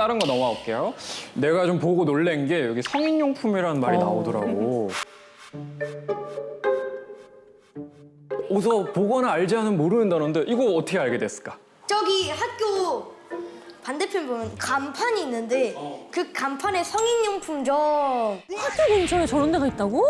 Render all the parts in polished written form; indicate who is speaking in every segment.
Speaker 1: 다른 거 넘어가 볼게요. 내가 좀 보고 놀란 게 여기 성인용품이라는 말이 나오더라고. 어서 보거나 알지 않은 모르는 단어인데 이거 어떻게 알게 됐을까?
Speaker 2: 저기 학교 반대편 보면 간판이 있는데 그 간판에 성인용품점,
Speaker 3: 학교 근처에 저런 데가 있다고?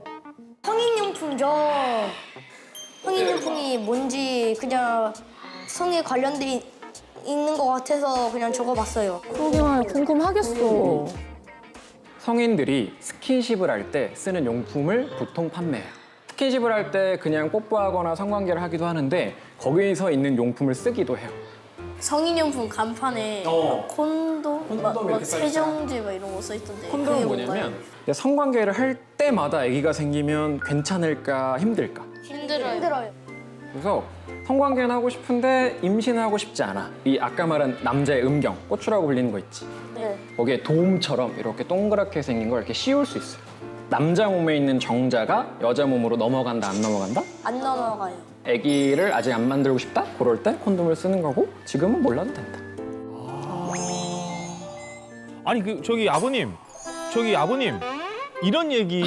Speaker 2: 성인용품점, 성인용품이 뭔지 그냥 성에 관련돼 있는 것 같아서 그냥 적어봤어요.
Speaker 3: 그러게 말이야, 궁금하겠어.
Speaker 1: 성인들이 스킨십을 할 때 쓰는 용품을 보통 판매해요. 스킨십을 할 때 그냥 뽀뽀하거나 성관계를 하기도 하는데 거기서 있는 용품을 쓰기도 해요.
Speaker 2: 성인용품 간판에 콘돔, 막 세정제 막 이런 거 써있던데.
Speaker 1: 콘돔은 뭐냐면 성관계를 할 때마다 아기가 생기면 괜찮을까 힘들까?
Speaker 2: 힘들어요.
Speaker 1: 그래서 성관계는 하고 싶은데 임신하고 싶지 않아. 이 아까 말한 남자의 음경, 꼬추라고 불리는 거 있지?
Speaker 2: 네.
Speaker 1: 거기에 도움처럼 이렇게 동그랗게 생긴 걸 이렇게 씌울 수 있어요. 남자 몸에 있는 정자가 여자 몸으로 넘어간다, 안 넘어간다?
Speaker 2: 안 넘어가요.
Speaker 1: 아기를 아직 안 만들고 싶다? 그럴 때 콘돔을 쓰는 거고 지금은 몰라도 된다.
Speaker 4: 아니 저기 아버님 이런 얘기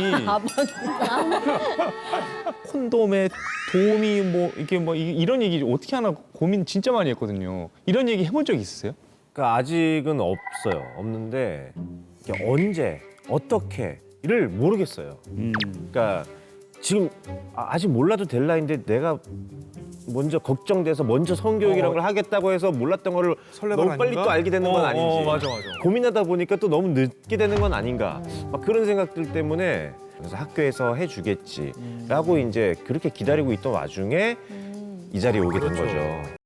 Speaker 4: 콘돔에 도움이 뭐 이게 뭐 이런 얘기 어떻게 하나 고민 진짜 많이 했거든요. 이런 얘기 해본 적 있으세요?
Speaker 5: 그러니까 아직은 없어요. 없는데 이게 언제 어떻게를 모르겠어요. 그러니까 지금 아직 몰라도 될 나이인데 내가 먼저 걱정돼서 먼저 성교육이라는 걸 하겠다고 해서 몰랐던 거를
Speaker 4: 설레발
Speaker 5: 너무 빨리
Speaker 4: 아닌가?
Speaker 5: 또 알게 되는 건 아닌지.
Speaker 4: 맞아.
Speaker 5: 고민하다 보니까 또 너무 늦게 되는 건 아닌가. 막 그런 생각들 때문에 그래서 학교에서 해주겠지라고 이제 그렇게 기다리고 있던 와중에 이 자리에 오게 된 거죠.